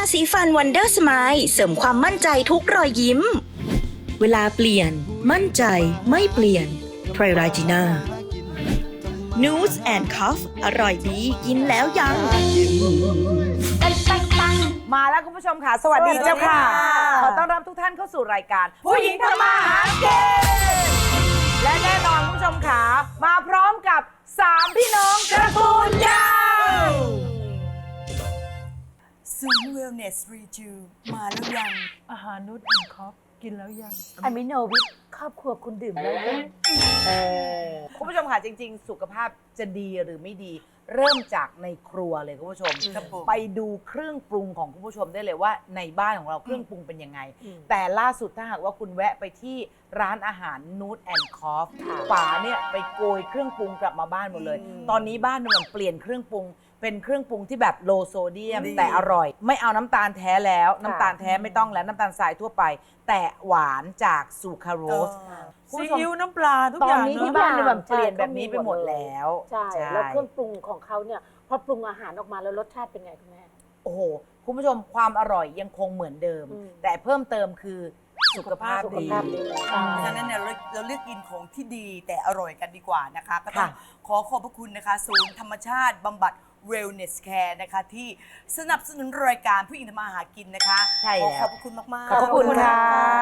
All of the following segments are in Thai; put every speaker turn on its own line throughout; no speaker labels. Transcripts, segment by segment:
สีฟันวันเดอร์สไมล์เสริมความมั่นใจทุกรอยยิ้ม เวลาเปลี่ยนมั่นใจไม่เปลี่ยนไทรราจีน่า News and Cuff อร่อยดีกินแล้วยัง
มาแล้วคุณผู้ชมค่ะ สวัสดีเจ้าค่ะ ขอต้อนรับทุกท่านเข้าสู่รายการผู้หญิงทำมาหากินและแน่นอนคุณผู้ชมค่ะมาพร้อมกับ3พี่น้องตระกูลยาว
ศูนย์เวลเนสรีจูมาแล้วยัง
อาหารนูดแอนด์คอฟกินแล้วยัง
อะมิโนวิทครอบครัวคุณดื่มแล้วยัง
คุณผู้ชมค่ะจริงๆ สุขภาพจะดีหรือไม่ดี เริ่มจากในครัวเลยคุณผู้ชม
ครับผม
ไปดูเครื่องปรุงของคุณผู้ชมได้เลยว่าในบ้านของเราเครื่องปรุงเป็นยังไง แต่ล่าสุดถ้าหากว่าคุณแวะไปที่ร้านอาหารนูดแอนด์คอฟป๋าเนี่ยไปโกยเครื่องปรุงกลับมาบ้านหมดเลย ตอนนี้บ้านมันเปลี่ยนเครื่องปรุง เป็นเครื่องปรุงที่แบบโลโซเดียม แต่อร่อย ไม่เอาน้ำตาลแท้แล้วน้ำตาลแท้ไม่ต้องแล้วน้ำตาลทรายทั่วไป แต่หวานจากซูคราโรส
ซีอิ๊วน้ำปลาทุก
ต
อ
อน
ย่าง
นี้
เน
ที่
อะ
บ้านเนี่ยแบบเปลี่ยนแบบนี้ไปหมดแล้ว
ใช่แล้วเครื่องปรุงของเขาเนี่ยพอปรุงอาหารออกมาแล้วรสชาติเป็นไงคุณแม่
โอ้โห คุณผู้ชมความอร่อยยังคงเหมือนเดิม แต่เพิ่มเติมคือสุขภาพ
สุข
ดี
ภาพดี
เพราะฉะนั้นเนี่ยเราเลือกกินของที่ดีแต่อร่อยกันดีกว่านะคะ ก็ต้องขอขอบพระคุณนะคะ ศูนย์ธรรมชาติบำบัด Wellness Care นะคะ ที่สนับสนุนรายการผู้หญิงทำมาหากินนะคะ
ใช่
ขอ
แล้ว
ขอบพระคุณมากๆ
ขอบพระคุณค่ะ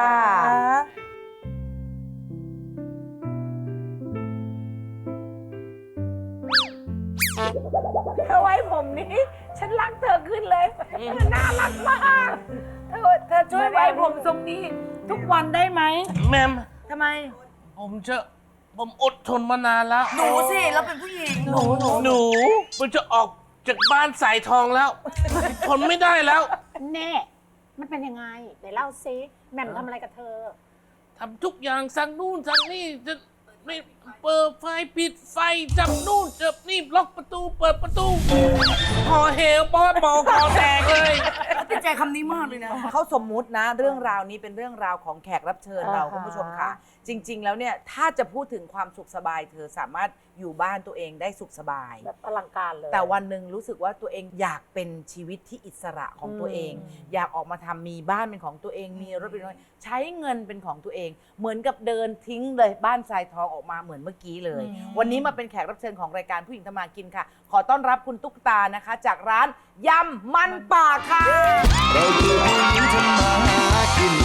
เธอไว้ผมนี้ ฉันรักเธอขึ้นเลยน่ารักมากเธอช่วยไว้ผมทรงนี้ ทุกวันได้ไหม
แมม
ทำไม
ผมอดทนมานานแล้ว
หนูสิเราเป็นผู้หญิง
หนูมันจะออกจากบ้านสายทองแล้ว ทนไม่ได้แล้ว
แน่มันเป็นยังไงไหนเล่าซิแหม่มทำอะไรกับเธอ
ทำทุกอย่างสั่งนู่นสั่งนี่จะไม่เปิดไฟปิดไฟจับนู่นจับนี่ล็อกประตูเปิดประตูพอเหวปอดบอกคอแตกเลย
ติดใจคำนี้มากเลยนะ
เขาสมมุตินะเรื่องราวนี้เป็นเรื่องราวของแขกรับเชิญเรา
อ่าฮะ
คุณผู้ชมค่ะ จริง ๆ แล้วเนี่ยถ้าจะพูดถึงความสุขสบาย เธอสามารถอยู่บ้านตัวเองได้สุขสบาย
แบบอลังการเลย
แต่วันหนึ่งรู้สึกว่าตัวเองอยากเป็นชีวิตที่อิสระของตัวเอง อยากออกมาทำมีบ้านเป็นของตัวเองมีรถเป็นของตัวเองใช้เงินเป็นของตัวเอง เหมือนกับเดินทิ้งเลยบ้านทรายทองออกมาเหมือนเมื่อกี้เลย วันนี้มาเป็นแขกรับเชิญของรายการผู้หญิงทำมากินค่ะ ขอต้อนรับคุณตุ๊กตานะคะ จากร้านยำมันป่าค่ะ
เราคือผู้หญิงทำมาหากิน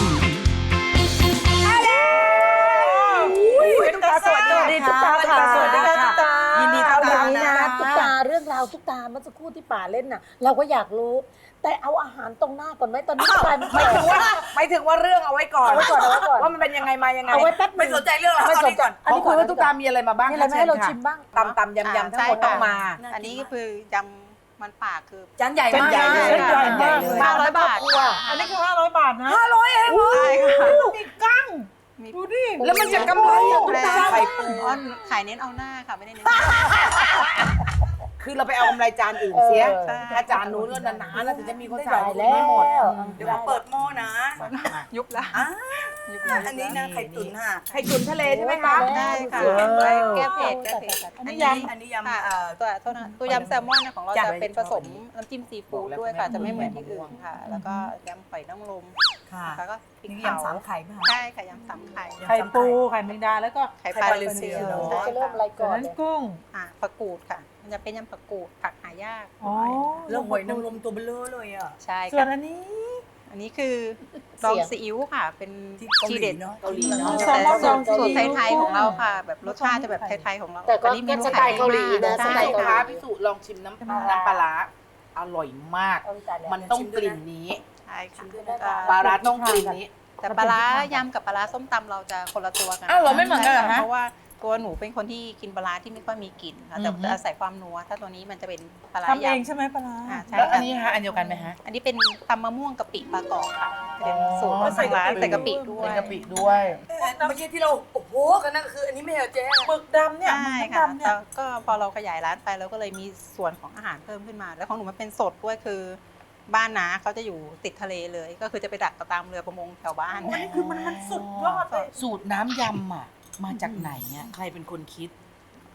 ตุ๊กตาสวัสดีตุ๊กตาค่ะสวัสดีค่ะตุ๊กตายินดีต้อน
อ
รั
ย่า
บ
งนี้
นะ
นะตุ๊กตาเรื่องราวตุ๊กตาเมื่อสักครู่ที่ป่าเล่นน่ะ เราก็อยากรู้ แต่เอาอาหารตรงหน้าก่อนไหมตอนนี้กลายเป็น
ไม่ถึงว่าเรื่องเอาไว้ก่อน
เอาไว้ก่อนเอาไว้ก่อน
ว่ามันเป็นยังไงมายังไง
เอาไว่าแป๊บ
ไม่สนใจเรื่องราว
ไม่
ตอน
สน
นี้
ใจ
ก่อน
ขอคุยว่าตุ๊กตามีอะไรมาบ้าง
มีอะไรมาให้เราชิมบ้าง
ตำยำทั้งหมดต้องมา
อันนี้คือยำมันป่าคือ
จานใหญ่มาก
จานใหญ่
เส้นใหญ่มาก
เลย
500 บาทค่ะ
อันนี้คือ500 บาทนะ
500เองเหรอ
ใช่ค่ะ
มีกั้ง
มี
ดูดิ
แล้วมันจะกำไรอะตุ๊กตา
ไข่ปูอ้อนขายเน้นเอาหน้าค่ะ ไม่ได้เน้น
คือเราไปเอากำไรจานอื่นเสีย
ใช่
ถ้าจานนู้นก็นานๆแล้วถึงจะมีคน
ได้
สั่ง
แล้ว
ไม่หมด
เดี๋ยวผมเปิดหม้อนะ
ยุบละ
อ่า
ยุบละ
อันนี้นะไข่ตุ๋นค่ะ
ไข่ตุ๋นทะเลใช่ไหมคะ
ได้ค่ะ
ว้าว
ไว้แก้เผ็ดแก้เผ็ด
อันนี้ยำ
ค่ะตัวโทษนะตัวยำแซลมอนของเรา
จ้ะ
จะเป็นผสมน้ำจิ้มซีฟู้ดด้วยค่ะ จะไม่เหมือนที่อื่นค่ะ แล้วก็ยำหอยนางรม
ค่ะ
แล้วก็พริก
นี่
เผาย
ำสามไข่ไหมคะ
ใช่ค่ะยำสามไข่
ไข่ปูไข่แมงดาแล้วก็
ไข่ปลา
ไข่ปลา
ลิ
ลิเซี
เซี
ย
ย
เนอะ
ใช่
จะเริ่มอะไร
จาก
ก่อน
นั้นกุ้ง
ผักกูดค่ะ มันจะเป็นยำผักกูดผักหายาก
อ๋อ
เรื่องหอยนางรมตัวเบลอเลยอ่ะ
ใช่
ส่วน
ค่ะ
อันนี้
อันนี้คือดองซีอิ๊วค่ะ เป็น
ที่เกาหลี
ทีเด็ด
เนอะ
เกาหลีเนอะ
แต่สูตรไทยๆของเราค่ะ แบบรสชาติจะแบบไทยๆของเรา
แต่ก็
อันนี้เมนู
สไตล์เกาหลีนะ
ใช่
สไตล์
ลู
เกาก ห
ค้า
ลี
พิสูจน์ลองชิมน้ำปลาร้าอร่อยมาก มันต้องกลิ่นนี้
ใช่ค่ะ
ปลาร้าต้องกลิ่นนี้
แต่ปลาร้ายำกับปลาร้าส้มตำเราจะคนละตัวกัน
อ้าวเหรอไม่เหมือนกันเหรอฮะ
เพราะว่าตัวหนูเป็นคนที่กินปลาร้าที่ไม่ค่อยมีกลิ่นค่ะแต่
อือฮึ
จะอาศัยความนัว ถ้าตัวนี้มันจะเป็นปลาร้า
ทำเอง
ยำ
ใช่ไหมปลาร้า
ใช่
แล้วอัน
ค่ะ
นี้ฮะอันเดียวกันไหมฮะ
อันนี้เป็นตำมะม่วงกะปิปลากรอบค่ะ เป็นสูตร
อ๋อ
ของทางร้านใส่กะปิด้วย
เป็นกะปิด้วย
เมื่อกี้ที่เราโอ้โหกันนั่นคืออันนี้ไม่เหรอเจ๊
หมึกดำเนี่ย
ใช่
หมึก
ค่ะ
ดำเนี่ย
แล้วก็พอเราขยายร้านไปเราก็เลยมีส่วนของอาหารเพิ่มขึ้นมา แล้วของหนูมันเป็นสดด้วยคือบ้านน้าเขาจะอยู่ติดทะเลเลย ก็คือจะไปดักตามเรือประมงแถวบ้าน
อันนี้คือมันสุดยอดเลย
สูตรน้ำยำอ่ะมาจากไหนอ่ะใครเป็นคนคิด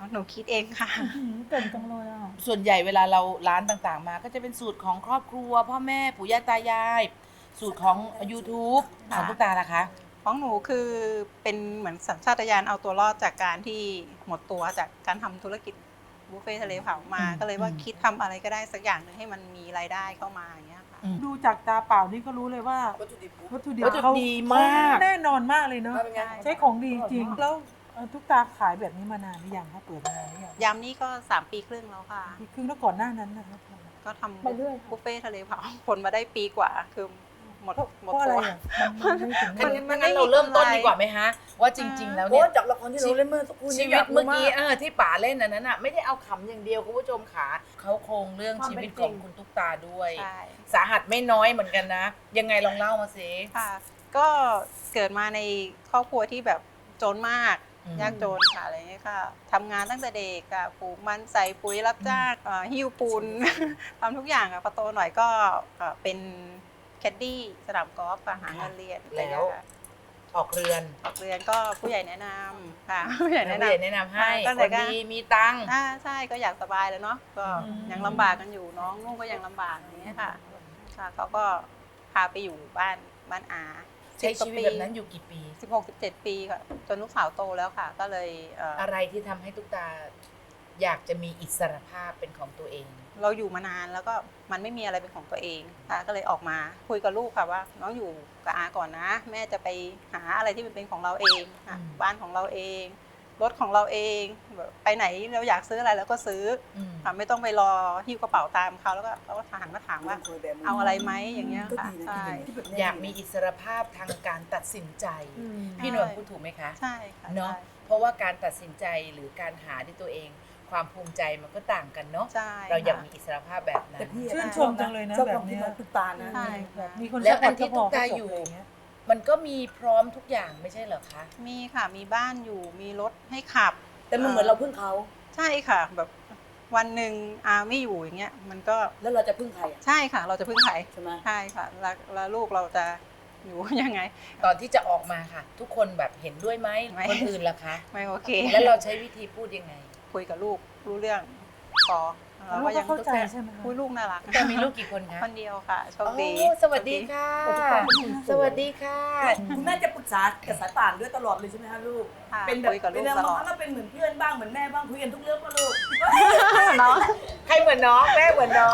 หนูคิดเองค่ะ
เก่งจังเลยอ่ะ
ส่วนใหญ่เวลาเราร้านต่างๆ มาก็จะเป็นสูตรของครอบครัว พ่อแม่ปู่ย่าตายาย สูตรของ YouTube ของตุ๊กตาล่ะคะ
ของหนูคือเป็นเหมือนสัญชาตญาณเอาตัวรอดจากการที่หมดตัวจากการทำธุรกิจบุฟเฟ่ทะเลเผามา ก็เลยว่าคิดทำอะไรก็ได้สักอย่างหนึ่งให้มันมีรายได้เข้ามาอย่างเงี้ยค่ะ
ดูจากตาเปล่านี่ก็รู้เลยว่า
วัตถุดิบ
วัตถุดิบ
วัตถุดิบ
เขา
ดีมาก
แน่นอนมากเลยเนาะ
เป็นไง
ใช้ของดีจริงแล้วทุกตาขายแบบนี้มานานหรือยังคะเปิดมานานหรือยัง
ยำนี่ก็3 ปีครึ่งแล้วค่ะ
ปีครึ่งแล้วก่อนหน้านั้นนะครับ
ก็ทำ
ไปเรื่อยค่ะ
บุฟเฟ่ทะเลเผาผลมาได้ปีกว่าคือหมด
เพราะอะไร
ตัว
อ่ะมันไม่ถึง
งั้น
มันไม่
งั้น
มี
เราเริ่มต้น
กำไร
ดีกว่าไหมฮะ ว่าจริง ๆ แล้ว
โอ้
เนี่ย
จากละครที่เราเล่นเมื่อสักครู่นี้
ชีวิตเมื่อกี้
ยากรู้า
ที่ป๋าเล่นอันนั้นอ่ะไม่ได้เอาขำอย่างเดียวคุณผู้ชมขาเขาโครงเรื่อง
ความ
ชี
เป็น
วิต
จริ
ของ
ง
คุณตุ๊กตาด้วย
ใช่
สาหัสไม่น้อยเหมือนกันนะ ยังไงลองเล่ามาสิ
ค่ะ ก็เกิดมาในครอบครัวที่แบบจนมาก
อืม
ยากจนค่ะอะไรเงี้ยค่ะทำงานตั้งแต่เด็กค่ะปลูกมันใส่ปุ๋ยรับจ้างหิ้วปูน ทำทุกอย่างค่ะพอโตหน่อยก็เป็นแคดดี้สนามกอล์ฟค่ะหาเงินเรียนอะไรเงี้ยค่ะ
ออกเรือน
ออกเรียนก็ผู้ใหญ่แนะนำค่ะ ผู้ใหญ่
แล้ว
แนะ
ผู้
นำ
ใหญ่แนะนำให้
ตั้ง
ค
แต่
น
ก็
ดีมีตังค์
ใช่ก็อยากสบายแล้วเนาะก็ยังลำบากกันอยู่น้องนุ่งก็ยังลำบากอย่างเงี้ยค่ะค่ะเขาก็พาไปอยู่บ้านอา
ใช้ชีวิตแบบนั้นอยู่กี่ปี
16-17 ปีค่ะจนลูกสาวโตแล้วค่ะ ก็เลย
อะไรที่ทำให้ตุ๊กตา อยากจะมีอิสรภาพเป็นของตัวเอง
เราอยู่มานานแล้วก็มันไม่มีอะไรเป็นของตัวเองค่ะก็เลยออกมาคุยกับลูกค่ะว่าน้องอยู่กับอาก่อนนะ แม่จะไปหาอะไรที่มันเป็นของเราเองค่ะ
อืม
บ้านของเราเองรถของเราเองแบบไปไหนเราอยากซื้ออะไรเราก็ซื้อ
อืม
ค่ะไม่ต้องไปรอหิ้วกระเป๋าตามเขาแล้วก็หันมาถามว่าเอาอะไรไหมอย่างเงี้ย
ก็
ค่ะ
ดีนะ
ใช่
ที่แบบนี้
อยากมีอิสรภาพทางการตัดสินใจ พี่หนวลพูดถูกไหมคะ
ใช่ค่ะ
เนาะ
ใช่
เพราะว่าการตัดสินใจหรือการหาด้วยตัวเอง ความภูมิใจมันก็ต่างกันเนาะ
ใช่
เราอยาก
ค่ะ
มีอิสรภาพแบบนั้น
แต่พี่
ชื่นชมจังเลยนะ
ชอบ
แบ
ควา
บ
ม
เนี้
คิด
ย
ของตุ๊กตานะ
ใช่
แบบมีคน
แล้ว
ซัพพ
อั
ร์
น
ต
ที่
ก็พ
ตุ๊
อก
ตา
ก็จบ
อยู่
อะไรางเงี้ย
มันก็มีพร้อมทุกอย่างไม่ใช่เหรอคะ
มีค่ะมีบ้านอยู่มีรถให้ขับ
แต่มันเหมือนเราพึ่งเขา
ใช่ค่ะ แบบวันหนึ่งอาไม่อยู่อย่างเงี้ยมันก็
แล้วเราจะพึ่งใครอ่ะ
ใช่ค่ะ เราจะพึ่งใคร
ใช่ไหม
ใช่ค่ะแล้วลูกเราจะอยู่ ยังไง
ตอนที่จะออกมาค่ะ ทุกคนแบบเห็นด้วยไหม
ไม่
คนอื่นล่ะคะ
ไม่โอเค
แล้วเราใช้วิธีพูดยังไง
คุยกับลูกรู้เรื่องพอเรา
ลู
ก็
ก
ยั
ก็
ง
เข้าใจใช่ไหมคะ
คุยลูกน่ารัก
แต่มีลูกกี่คนคะ
คนเดียวค่ะโชคดี
โอ้สวัสดีค่ะ สวัสดีค่ะ
คุณแม่จะปรึกษากับสายป่านด้วยตลอดเลยใช่ไหมคะลูก
ค่ะ
เป็นแบบ
คุยกับลู
เป็
ก
น
ตล
บาง
อ
ค
ด
รั้งก็เป็นเหมือนเพื่อนบ้างเหมือนแม่บ้างคุยกันทุกเรื่องป่ะลูก
เนาะ
ใครเหมือนน้องแม่เหมือนน้อง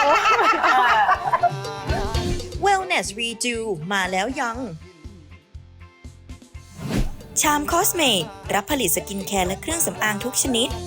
Wellness Redo มาแล้วยัง ชามคอสเมตรับผลิตสกินแคร์และเครื่องสำอางทุกชนิด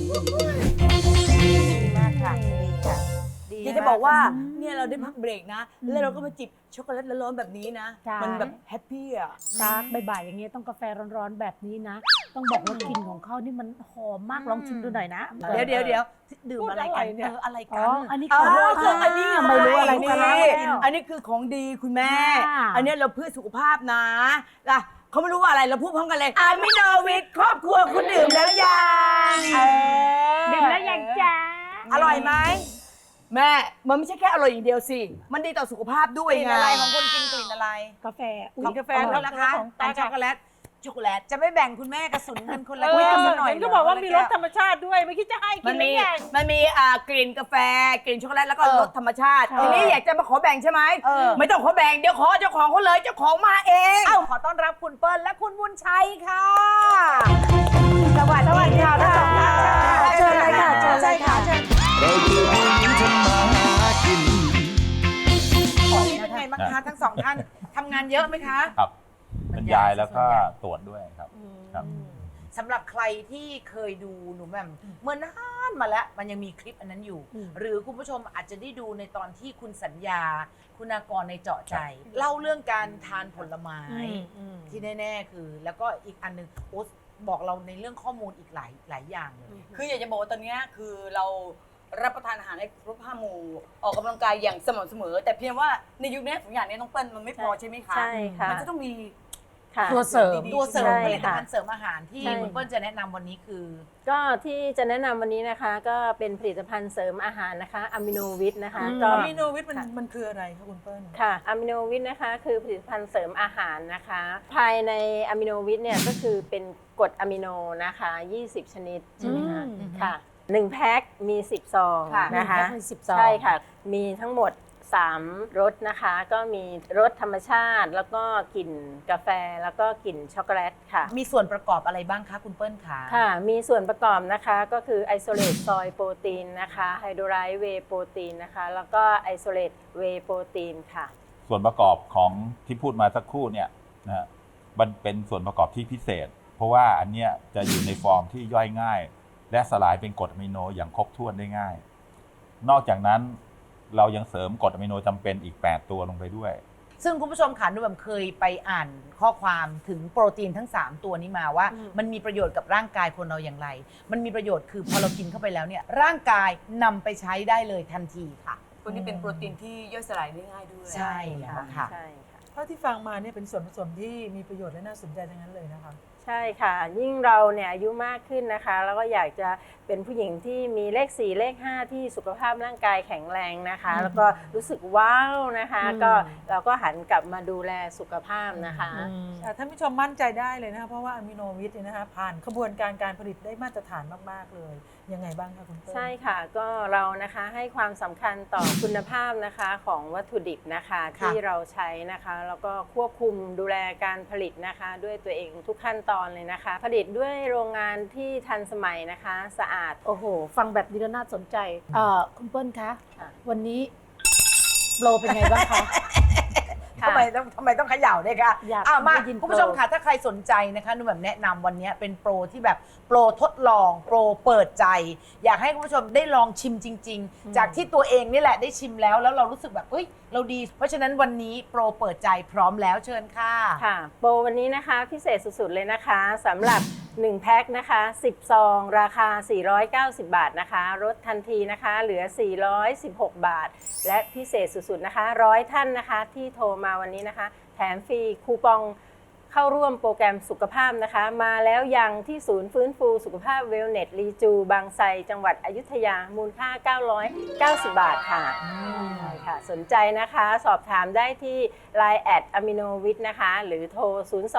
มากค่ะดีค่ะ
อยากจะบอกว่าเนี่ยเราได้พักเบรกนะ แล้วเราก็มาจิบช็อกโกแลตร้อนๆแบบนี้นะ
ใช่
มันแบบแฮปปี้อ่ะ
ตากบ่ายๆอย่างเงี้ยต้องกาแฟร้อนๆแบบนี้นะ ต้องบอกว่ากลิ่นของเขานี่มันหอมมากลองชิมดูหน่อยนะ
เดี๋ยวดื่มอะไรกันอะไร
อ๋
กั
อน อันนี้
อ๋อ
ของ
อันนี้
ไม่รู้อะไร
นี่
กันแล้ว
อันนี้คือของดีคุณแม่
ค่ะ
อันนี้เราเพื่อสุขภาพนะล่ะเขาไม่รู้ว่าอะไรเราพูดพร้อมกันเลยอามิโนวิทครอบครัวคุณดื่มแล้วยัง
ดื่มแล้วยังจ้า
อร่อยไหมแม่มันไม่ใช่แค่อร่อยอย่างเดียวสิมันดีต่อสุขภาพด้วย
กลิ่น
ไง
อะไรของคุณกินกลิ่นอะไร
กาแฟ
ของกาแฟ
อร่
แล้
อยว
นะคะ
ของ
อันช็อกโกแลตจะไม่แบ่งคุณแม่กระสุนกันคนละ
เอ
แก้
อ
วซะหน่อย
เห็นก็บอกว่ามีรสธรรมชาติด้วยไม่คิดจะให้กิ
มัน น
หรื
มี
อยัง
มันมีกลิ่นกาแฟกลิ่นช็อกโกแลตแล้วก็รสธรรมชาติ
ใช่
ทีนี้อยากจะมาขอแบ่งใช่ไหมไม่ต้องขอแบ่งเดี๋ยวขอเจ้าของเขาเลยเจ้าของมาเอง
เอ้าขอต้อนรับคุณเปิ้ลและคุณบุญชัยค่ะ
สวัสดีค่ะทั้งสองท่าน
เชิญเลยค่ะเชิญเลยค่ะ
เราคือผู้หญิงทำมาหากิน
เป็นไงบ้างคะทั้งสองท่านทำงานเยอะไหมคะ
ครับเป็นยายแล้วก็ตรวจด้วยครับครับ
สำหรับใครที่เคยดูหนูแหม่มเมื่อนานมาแล้วมันยังมีคลิปอันนั้นอยู่ หรือคุณผู้ชมอาจจะได้ดูในตอนที่คุณสัญญา คุณากรในเจาะใจ เล่าเรื่องการทานผลไม้ที่แน่ๆคือ แล้วก็อีกอันหนึงโอ๊ตบอกเราในเรื่องข้อมูลอีกหลายอย่างเลย
คืออยากจะบอกว่าตอนนี้คือเรารับประทานอาหารให้ครบห้าหมู่ออกกำลังกายอย่างสม่ำเสมอ แต่เพียงว่าในยุคนี้ทุกอย่างนี้น้องเปิ้ลมันไม่พอใช่ไหมคะ
ใช่ค่ะ
มันจะต้องมี
ค่ะ
ตัวเสริม
ดีๆ
ตัวเสริม
ใช่
ผลิต
ค่ะ
ภัณฑ์เสริมอาหารที่
ใช่
คุณเปิ้ลจะแนะนำวันนี้คือ
ก็ที่จะแนะนำวันนี้นะคะก็เป็นผลิตภัณฑ์เสริมอาหารนะคะอะมิโนวิทนะคะก็
อะมิโนวิทมันคืออะไรคะคุณเปิ้ล
ค่ะอะมิโนวิทนะคะคือผลิตภัณฑ์เสริมอาหารนะคะ ภายในอะมิโนวิทเนี่ยก็คือเป็นกรดอะมิโนนะคะ20 ชนิดใช่ไหมคะ
อืม
ค่ะ1แพ็คมี10ซอง
ค่ะ
นะคะ
หนึ่งแพ็คมี10ซอง
ใช่ค่ะมีทั้งหมด3รสนะคะก็มีรสธรรมชาติแล้วก็กลิ่นกาแฟแล้วก็กลิ่นช็อกโกแลตค่ะ
มีส่วนประกอบอะไรบ้างคะคุณเปิ้ลคะ
ค่ะ มีส่วนประกอบนะคะก็คือไอโซเลตซอยโปรตีนนะคะไฮโดรไลซ์เวย์โปรตีนนะคะแล้วก็ไอโซเลตเวย์โปรตีนค่ะ
ส่วนประกอบของที่พูดมาสักครู่เนี่ยนะฮะมันเป็นส่วนประกอบที่พิเศษ เพราะว่าอันเนี้ยจะอยู่ในฟอร์มที่ย่อยง่าย และสลายเป็นกรดอะมิโนอย่างครบถ้วนได้ง่าย นอกจากนั้นเรายังเสริมกรดอะมิโนจำเป็นอีก 8 ตัวลงไปด้วย
ซึ่งคุณผู้ชมค่ะนุ่มเคยไปอ่านข้อความถึงโปรตีนทั้ง 3 ตัวนี้มาว่า มันมีประโยชน์กับร่างกายคนเราอย่างไร มันมีประโยชน์คือพอเรากินเข้าไปแล้วเนี่ยร่างกายนำไปใช้ได้เลยทันทีค่ะ
ตัวนี้เป็นโปรตีนที่ย่อยสลายได้ง่ายด้วย
ใช่แล้วค่ะ
ใช่ค่ะ
เท่าที่ฟังมาเนี่ยเป็นส่วนผสมที่มีประโยชน์และน่าสนใจทั้งนั้นเลยนะคะ
ใช่ค่ะ ยิ่งเราเนี่ยอายุมากขึ้นนะคะ แล้วก็อยากจะเป็นผู้หญิงที่มีเลข 4 เลข 5 ที่สุขภาพร่างกายแข็งแรงนะคะ แล้วก็รู้สึกว้าวนะคะ ก็เราก็หันกลับมาดูแลสุขภาพนะคะ
ท่านผู้ชมมั่นใจได้เลยนะคะเพราะว่าอะมิโนวิทเนี่ยนะคะผ่านขบวนการการผลิตได้มาตรฐานมาก ๆ เลย ยังไงบ้างคะคุณเปิ้ล
ใช่ค่ะก็เรานะคะให้ความสำคัญต่อคุณภาพนะคะของวัตถุดิบนะคะที่เราใช้นะคะแล้วก็ควบคุมดูแลการผลิตนะคะด้วยตัวเองทุกขั้นตอนเลยนะคะ ผลิตด้วยโรงงานที่ทันสมัยนะคะสะอาด
โอ้โห ฟังแบบนี้แล้วน่าสนใจคุณเปิ้ลคะ
ค่ะ
วันนี้โปรเป็นไงบ้างคะ
ทำไมต้องเขย่าด้วยคะ
อยาก
มา
ได้ยินโปร
คุณผู้ชมค่ะถ้าใครสนใจนะคะนุ่มแบบแนะนำวันนี้เป็นโปรที่แบบโปรทดลองโปรเปิดใจ อยากให้คุณผู้ชมได้ลองชิมจริง ๆ จากที่ตัวเองนี่แหละได้ชิมแล้วเรารู้สึกแบบเฮ้ยเราดี เพราะฉะนั้นวันนี้โปรเปิดใจพร้อมแล้วเชิญค่ะ
ค่ะโปรวันนี้นะคะพิเศษสุดๆเลยนะคะสำหรับ1แพ็คนะคะ10ซองราคา490 บาทนะคะลดทันทีนะคะเหลือ416 บาท และพิเศษสุดๆนะคะ100ท่านนะคะที่โทรมาวันนี้นะคะแถมฟรีคูปองเข้าร่วมโปรแกรมสุขภาพนะคะมาแล้วยังที่ศูนย์ฟื้นฟูสุขภาพเวลเนสรีจูบางไทรจังหวัดอยุธยามูลค่า990 บาทค่ะใช่ค่ะสนใจนะคะสอบถามได้ที่ Line แอดอะมิโนวิทนะคะหรือโทร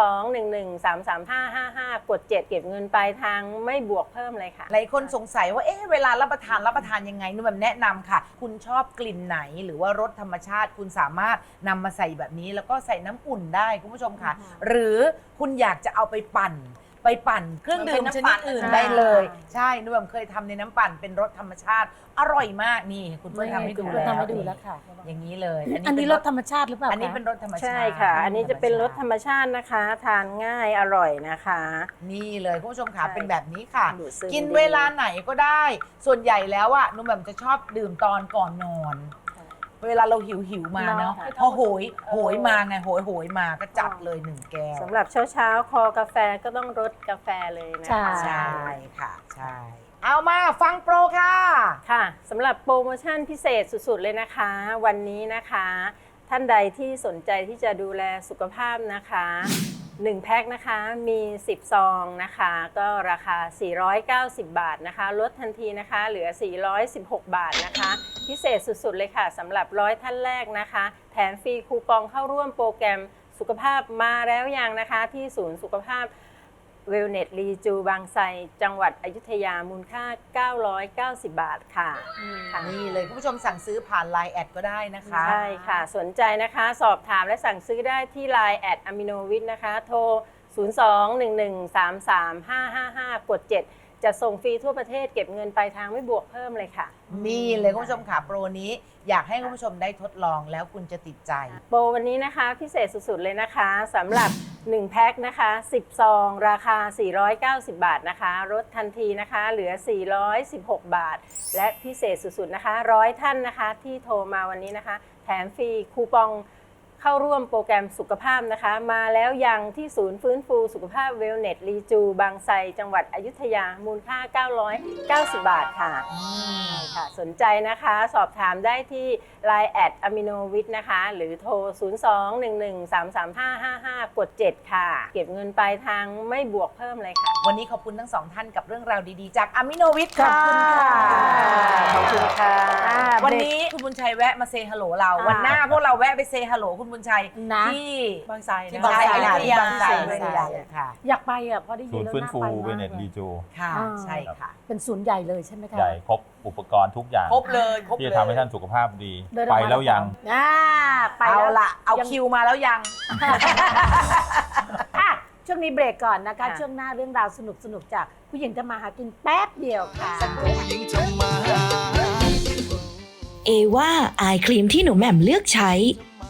02-1133555 กด 7 เก็บเงินปลายทางไม่บวกเพิ่มเลยค่ะ
หลายคนสงสัยว่าเวลารับประทานยังไงนุ่มแบบแนะนำค่ะ คุณชอบกลิ่นไหนหรือว่ารสธรรมชาติคุณสามารถนำมาใส่แบบนี้แล้วก็ใส่น้ำอุ่นได้คุณผู้ชมค่ะ หรือคุณอยากจะเอาไปปั่นเครื่องดื่มชนิดอื่นได้เลย ใช่นุ่มแบบเคยทำในน้ำปั่นเป็นรสธรรมชาติอร่อยมากนี่คุณเพื่อนทำให้ดูแล้ว
ทำให้ดูแล้วค่ะ
อย่างนี้เลย
อันนี้รสธรรมชาติหรือเปล่า
อันนี้
คะ
เป็นรสธรรมชาติ
ใช่ค่ะ อันนี้จะเป็นรสธรรมชาตินะคะ ทานง่ายอร่อยนะคะ
นี่เลยคุณผู้ชมค่ะ
ใช่
เป็นแบบนี้ค่ะ
ดูดซึม
กิน
ดี
เวลาไหนก็ได้ ส่วนใหญ่แล้วอะนุ่มแบบจะชอบดื่มตอนก่อนนอน เวลาเราหิวมาเนาะ
ค่ะ
พอโหยมาไงโหยมาก็จัดเลย1 แก้ว
สำหรับเช้าๆ คอกาแฟก็ต้องรสกาแฟเลยนะคะ
ใช่ค่ะใช่เอามาฟังโปรค่ะ
ค่ะสำหรับโปรโมชั่นพิเศษสุดๆเลยนะคะ วันนี้นะคะ ท่านใดที่สนใจที่จะดูแลสุขภาพนะคะ1แพ็คนะคะมี10ซองนะคะก็ราคา490 บาทนะคะลดทันทีนะคะเหลือ416 บาทนะคะพิเศษสุดๆเลยค่ะสำหรับ100ท่านแรกนะคะแถมฟรีคูปองเข้าร่วมโปรแกรมสุขภาพมาแล้วยังนะคะที่ศูนย์สุขภาพเวลเนสรีจูบางไทรจังหวัดอยุธยามูลค่า990 บาทค่ะค่ะ
นี่เลยคุณผู้ชมสั่งซื้อผ่าน Line แอดก็ได้นะคะ
ใช่ค่ะ สนใจนะคะสอบถามและสั่งซื้อได้ที่ Line แอดอะมิโนวิทนะคะ โทร 02-1133555 กด 7 จะส่งฟรีทั่วประเทศเก็บเงินปลายทางไม่บวกเพิ่มเลยค่ะ
นี่เลยคุณผู้ชมค่ะโปรนี้อยากให้คุณผู้ชมได้ทดลองแล้วคุณจะติดใจ
โปรวันนี้นะคะพิเศษสุดๆเลยนะคะสำหรับ1แพ็คนะคะ10ซองราคา490 บาทนะคะลดทันทีนะคะเหลือ416 บาท และพิเศษสุดๆนะคะ100ท่านนะคะที่โทรมาวันนี้นะคะแถมฟรีคูปองเข้าร่วมโปรแกรมสุขภาพนะคะ มาแล้วยังที่ศูนย์ฟื้นฟูสุขภาพเวลเนสรีจูบางไทรจังหวัดอยุธยามูลค่า 990 บาทค่ะค่ะ สนใจนะคะสอบถามได้ที่ Line แอดอะมิโนวิทนะคะ หรือโทร 02-1133555 กด 7 ค่ะ เก็บเงินปลายทางไม่บวกเพิ่มเลยค่ะ
วันนี้ขอบคุณทั้งสองท่านกับเรื่องราวดีๆ จากอามิโนวิทย์ค่ะ
ขอบคุณค่ะ
วันนี้คุณบุญชัยแวะมาเซฮัลโหลเรา วันหน้าพวกเราแวะไปเซฮัลโหลคุณบุญชัย
นะ
ที่
บางไทร
ที่
นะ
บางไทร
ที่บางไทร
ค่ะ
อยากไปอ่ะเพราะได้
ศู
ยิน
นย์
แล้ว
ฟื้น
น่า
ฟู
ไป
เว
มาก
เนต
เล
รี
ย
จู
ค่ะใช่ค่ะ
เป็นศูนย์ใหญ่เลยใช่ไหมคะ
ใหญ่ครบอุปกรณ์ทุกอย่าง
ครบเลยครบ
ที่
เล
จะ
ย
ทำให้ท่านสุขภาพดี
เดินอ
ไป
อกมา
แล้วยัง
ไป
เอา
แล้ว
ละเอาคิวมาแล้วยัง
อ่ะช่วงนี้เบรกก่อนนะคะ
ค่ะ
ช่วงหน้าเรื่องราวสนุกๆจากผู้หญิงทำมาหากินแป๊บเดียวค่ะ
ผู้หญิงทำมาหากิน
เอว่าอายครีมที่หนูแหม่มเลือกใช้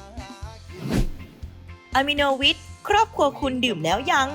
อะมิโนวิทครอบครัวคุณดื่มแล้วยัง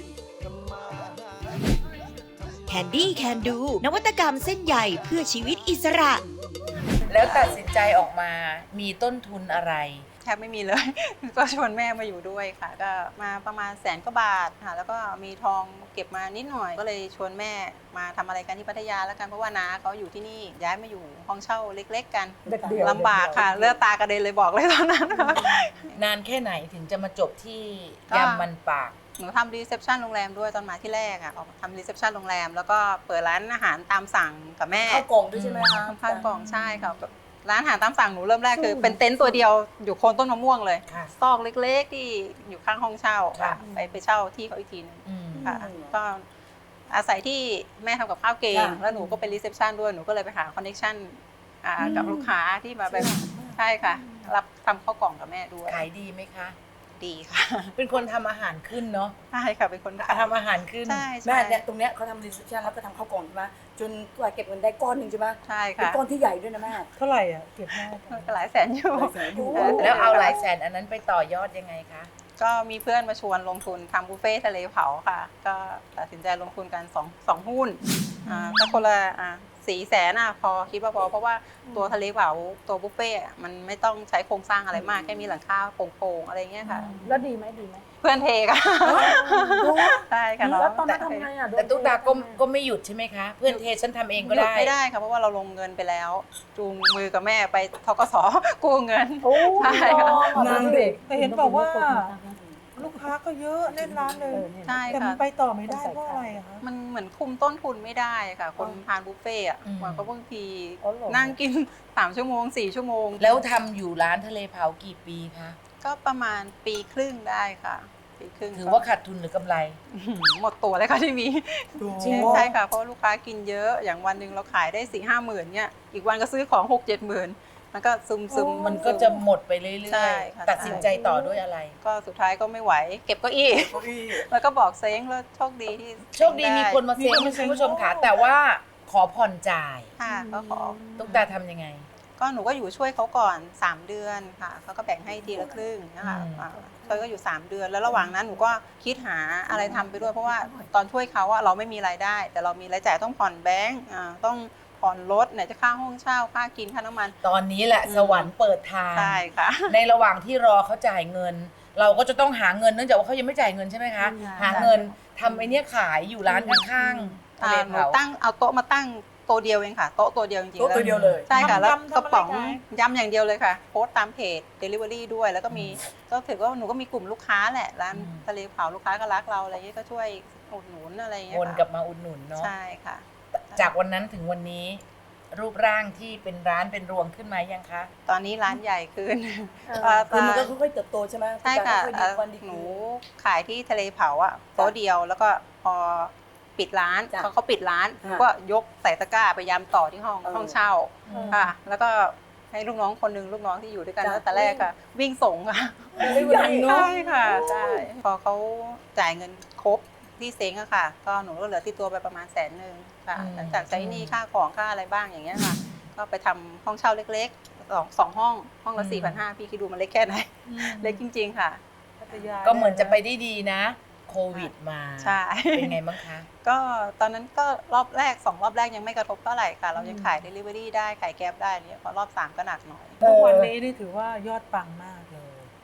แคนดี้แคนดูนวัตกรรมเส้นใหญ่เพื่อชีวิตอิสระ
แล้วตัดสินใจออกมามีต้นทุนอะไร
แทบไม่มีเลย ก็ชวนแม่มาอยู่ด้วยค่ะ ก็มาประมาณ100,000 กว่าบาทค่ะ แล้วก็มีทองเก็บมานิดหน่อย ก็เลยชวนแม่มาทำอะไรกันที่พัทยาแล้วกัน เพราะว่าน้าเขาอยู่ที่นี่ ย้ายมาอยู่ห้องเช่าเล็กๆกัน
เดี่ยวๆ
ลำบากค่ะ เลือดตากระเด็นเลยบอกเลยตอนนั้น
นานแค่ไหนถึงจะมาจบที่
ก็
ยำมันปาก
หนูทำรีเซพชันโรงแรมด้วยตอนมาที่แรกอ่ะออกมาทำรีเซพชันโรงแรม แล้วก็เปิดร้านอาหารตามสั่งกับแม่
ข้าวกล่องด้วยใช่ไหมคะ
ข้าวกล่องใช่ค่ะร้านอาหารตามสั่งหนูเริ่มแรกคือเป็นเต็นท์ตัวเดียวอยู่โคนต้นมะม่วงเลย
ค่ะ
ซอกเล็กๆที่อยู่ข้างห้องเช่าค่ะ
ค่ะ
ไปเช่าที่เขาอีกทีหนึง
อืม
ค่ะก็อาศัยที่แม่ทำกับข้าวเก่ง
ค่ะ
แล้วหนูก็เป็นรีเซพชันด้วยหนูก็เลยไปหาคอนเนคชั่นกับลูกค้าที่มาแบบใช่ค่ะ รับทำข้าวกล่องกับแม่ด้วย
ขายดีไหมคะ
ดีค่ะ
เป็นคนทำอาหารขึ้นเนาะ
ใช่ค่ะเป็นคน
ทำอาหารขึ้น
ใช่
แม่
ใช่
เนี่ยตรงเนี้ยเขาทำรีเซพชันแล้วก็ทำข้าวกล่องใช่ไหมจนกว่าเก็บเงินได้ก้อนหนึ่งใช่ไหม
ใช่
เป็น
ค่ะ
ก้อนที่ใหญ่ด้วยนะแม่
เท่าไหร่อ่ะเก็บแม่
ก็หลายแสนอยู่
หลายแสนอยู่
แล้วเอาหลายแสนอันนั้นไปต่อยอดยังไงคะ
ก็มีเพื่อนมาชวนลงทุนทำบุฟเฟ่ทะเลเผาค่ะ ก็ตัดสินใจลงทุนกันสองหุ้นก็คนละ400,000พอคิดว่าพอเพราะว่าตัวทะเลเผาตัวบุฟเฟ่อะมันไม่ต้องใช้โครงสร้างอะไรมากแค่มีหลังคาโป่งๆอะไรเงี้ยค่ะ
แล้วดีไหมดีไหม
เพื่อนเทค่ะใช่ค่ะ
แล้วตอนนั้นทำไงอ่ะ
แต่ตุ๊กตาก็ไม่หยุดใช่ไหมคะ เพื่อนเทฉันทำเองก็
หยุด
ได้
ไม่ได้ค่ะเพราะว่าเราลงเงินไปแล้ว จูงมือกับแม่ไปธกสกู้เงิน
โอ้
ใช่ค่ะ
นางเด็ก
แต่เห็นบอกว่าลูกค้าก็เยอะแน่นร้านเลย
ใช่
แต่มั
ค่ะ
นไปต่อไม่ได้เพราะอะไรอะคะ
มันเหมือนคุมต้นทุนไม่ได้ค่ะ คนทานบุฟเฟ่ต์อะ
อืม
มันก็บางที
อ๋อเหรอ
นั่งกิน 3 ชั่วโมง 4 ชั่วโมง
แล้วทำอยู่ร้านทะเลเผากี่ปีคะ
ก็ประมาณปีครึ่งได้ค่ะ ปีครึ่ง
ถือว่าขาดทุนหรือกำไร
หมดตัวเลยค่ะที่มี
จริง
ใช่ค่ะเพราะลูกค้ากินเยอะอย่างวันหนึ่งเราขายได้ 4-5 หมื่นเนี่ยอีกวันก็ซื้อของ 6-7 หมื่นมันก็ซึมๆ
มันก็จะหมดไปเรื่
ใช่
อย
ค่ะ
ๆ ตัดสินใจต่อด้วยอะไร
ก็สุดท้ายก็ไม่ไหว เก็บเก้าอี้ แล้วก็บอกเซ้งแล้วโชคดีที่
โชคดีมีคนมาเซ็งคุณผู้ชมค่ะแต่ว่าขอผ่อนจ่าย
ค่ะก็ขอ
ตุ๊กตาทำยังไง
ก็หนูก็อยู่ช่วยเขาก่อน 3 เดือนค่ะเขาก็แบ่งให้ทีละครึ่งนะคะ
อืม
เขาก็อยู่ 3 เดือน แล้วระหว่างนั้นหนูก็คิดหาอะไรทำไปด้วยเพราะว่าตอนช่วยเขาอะเราไม่มีรายได้ แต่เรามีรายจ่ายต้องผ่อนแบงก์ต้องผ่อนรถไหนจะค่าห้องเช่าค่ากินค่าน้ำมัน
ตอนนี้แหละสวรรค์เปิดทาง
ใช่ค่ะ
ในระหว่างที่รอเขาจ่ายเงิน เราก็จะต้องหาเงินเนื่องจากว่าเขายังไม่จ่ายเงินใช่ไหมคะ หาเงินทำไอ้เนี้ยขายอยู่ร้านข้างๆทะเล
หนู
เผา
ตั้งเอาโต๊ะมาตั้งโต๊ะเดียวเองค่ะโต๊ะตัวเดียวจริงๆ
โต๊ะตัวเดียวเลย
ใช่ค่ะแล้ว
ทำ
กระป๋อง
ทำอะไรขาย
ยำอย่างเดียวเลยค่ะโพสต์ตามเพจ Delivery ด้วยแล้วก็มีก็ถือว่าหนูก็มีกลุ่มลูกค้าแหละร้านทะเลเผาลูกค้าก็รักเราอะไรเงี้ยก็ช่วยอุดหนุนอะไรเงี้ย
วนกลับมาอุดหนุนเนาะ
ใช่ค่ะ
จากวันนั้นถึงวันนี้ รูปร่างที่เป็นร้านเป็นรวงขึ้นมายังคะ
ตอนนี้ร้านใหญ่ขึ้น
คือมันก็ค่อยๆเติบโตใช่ไหม
ใช่ค่ะ
ค่อยๆดีวันดี
หนู
คืน
ขายที่ทะเลเผาอะโต๊ะเดียวแล้วก็พอปิดร้าน
จ้ะ
เขาปิดร้าน
ค่ะ
ก็ยกใส่ตะกร้าไปยำต่อที่ห้อง
เออ
ห้องเช่าค่ะ แล้วก็ให้ลูกน้องคนหนึงลูกน้องที่อยู่ด้วยกัน
จ้ะ
ตั้งแต่แรกค่ะ วิ่งส่งค่ะ
ใหญ่เนอะ
ใช่ค่ะใช่พอเขาจ่ายเงินครบที่เซ้งอะค่ะ ก็หนูก็เหลือที่ตัวไปประมาณ100,000ค่ะ
อืม
หลังจากใช้หนี้ค่าของค่าอะไรบ้างอย่างเงี้ยค่ะ ก็ไปทำห้องเช่าเล็กๆสองห้องละ 4,500พี่คิดดูมันเล็กแค่ไหนเล็กจริงๆค่ะ
พัทยา
ก็เหมือนจะไปได้ดีนะ โควิดมา
ใช่
เป็นไงบ้างคะ
ก็ตอนนั้นก็รอบแรก2รอบแรกยังไม่กระทบเท่าไหร่ค่ะ เรายังขาย Delivery ได้ขายแก๊บได้เนี่ยพอรอบ3ก็หนักหน่อย
ทุกวันนี้นี่ถือว่ายอดปังมากเลย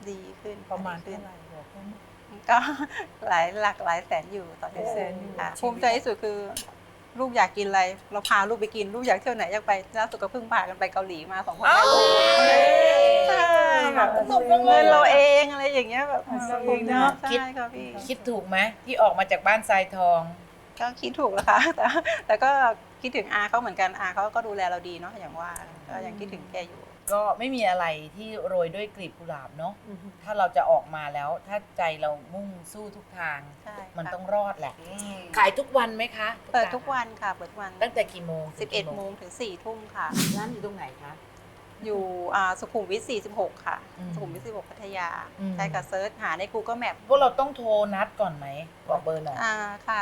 ดีขึ้น
ประมาณ
ดี
เท่าไหร่บอกได้ไหม
ก็หลายแสนอยู่ต่อเดือน
หลายแสนอยู่
ค่ะภูมิใจที่สุดคือลูกอยากกินอะไรเราพาลูกไปกินลูกอยากเที่ยวไหนอยากไปล่าสุดก็เพิ่งพากันไปเกาหลีมา2 คนแม่ลูกใช่แบบเงินเราเองอะไรอย่างเงี้ยแบบ
เราเองเนาะ
ใช่ค่ะพี่
คิดถูกไหมที่ออกมาจากบ้านทรายทอง
ก็คิดถูกแล้วค่ะ แต่ก็คิดถึงอาเขาเหมือนกันอาเขาก็ดูแลเราดีเนาะอย่างว่าก็ยังคิดถึงแกอยู่
ก็ไม่มีอะไรที่โรยด้วยกลีบกุหลาบเนาะถ้าเราจะออกมาแล้วถ้าใจเรามุ่งสู้ทุกทาง
ใช่
มัน
ค่ะ
ต้องรอดแหละ ขายทุกวันไหมคะ
เปิดทุกวันค่ะเปิดทุกวัน
ตั้งแต่กี่โมง
11 โมงถึง 4 ทุ่มค่ะ
ร้านอยู่ตรงไหนคะ
อยู่สุขุมวิท 46 ค่ะ
อืม
สุขุมวิท 46 พัทยา
อืม
ใช่ค่ะเซิร์ชหาใน Google Map
พวกเราต้องโทรนัดก่อนไหมบอกเบอร์หน่อย
ค่ะ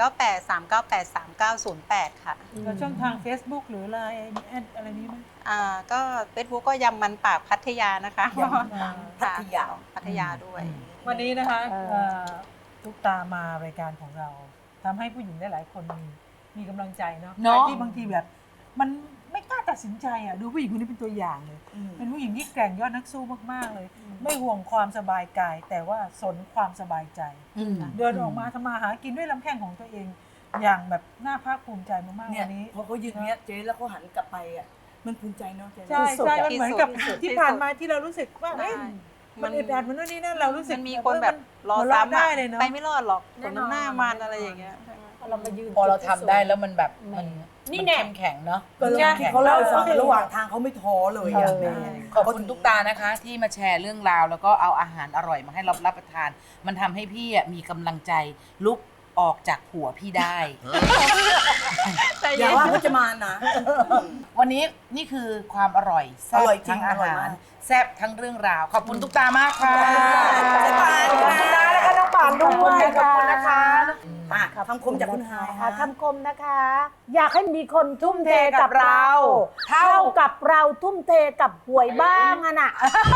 0983983908 ค่ะ
แล้วช่องทาง Facebook หรืออะไรแอดอะไรนี้ไหม
ก็ Facebook ก็ยำมันปากพัทยานะคะ
ยำมันปากพัทยา
พัทยาด้วย
วันนี้นะคะทุกตามารายการของเราทำให้ผู้หญิงได้หลายคนมีกำลังใจเนาะ
เนาะ
ที่บางทีแบบ มันไม่กล้าตัดสินใจอ่ะดูผู้หญิงคนนี้เป็นตัวอย่างเลย เป็นผู้หญิงที่แกร่งยอดนักสู้มากๆเลย ไม่ห่วงความสบายกาย แต่ว่าสนความสบายใจ เดินออกมาทำมาหากินด้วยลำแข้งของตัวเอง อย่างแบบน่าภาคภูมิใจมากๆ
เนี่ย
วันนี้
พอเขายืนเนี้ยเจ๊แล้วเขาหันกลับไปอ่ะมันภูมิใจเนาะเจ๊
ใช่ใช่มัน
ที่
เหมือน
สุด
กับ
ที่สุด
ที่ผ่านมาที่เรารู้สึกว่าเอ๊ะ
ใช่
มันอึดอัดมันนู่นนี่นั่นเรารู้สึก
มันมีคนแบบรอ
หัวเาะ
ซ้ำ
ได้
อะ
เลยเนาะ
ไปไม่รอดหรอกคนน้ำหน้ามันอะไรอย่างเงี้ย
เรามายืน
พอเราทำได้แล้วมันแบบมัน
นี่แน่
เข้มแข็งเนาะ
ก็เรื่องที่เขาเล่าให้ฟังระหว่างทางเขาไม่ท้อเลยอ่ะ
ขอบคุณทุกตานะคะ ที่มาแชร์เรื่องราว แล้วก็เอาอาหารอร่อยมาให้เรารับประทาน มันทำให้พี่อะมีกำลังใจลุกออกจากหัวพี่ได้
อย่าว่าเขาจะมานะ
วันนี้นี่คือความอร่อยแซ่
อบ ร่อยจริง
ทั้งอา
อร่อย
หาร
มาก
แซ่บทั้งเรื่องราว ขอบคุณทุกตามากค่ะ
เจ๊ปาน
ขอบคุณนะนะคะน้องป่านด้วยขอบคุณนะคะ
อ่ะคำคมจากคุณฮาย
ค่ะ
ค่ะ
คำคมนะคะ อยากให้มีคนทุ่มเทกับเรา เท่ากับเราทุ่มเทกับหวยบ้างอะน่ะ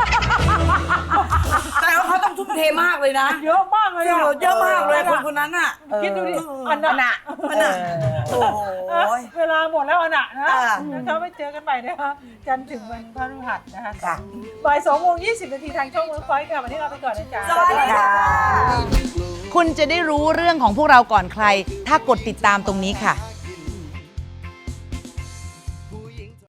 แต่ว่าเขาต้องทุ่มเทมากเลยนะ
เยอะมากเลยอะ
เยอะมากเลยคนคนนั้นอ่ะ
คิดดูดิ
อันน่ะ
มันอ่ะโอ้โห
เวลาหมดแล้วอะนะนะ
อ่า
นะคะไปเจอกันใหม่นะคะจันทร์ถึงวันพฤหัสนะคะ
ค่ะ
บ่าย2:20 นาทีทางช่องเวิร์คพอยต์ค่ะวันนี้เราไปก่อนนะจ๊ะ
สวัสดีค่ะ
คุณจะได้รู้เรื่องของพวกเราก่อนใคร ถ้ากดติดตามตรงนี้ค่ะ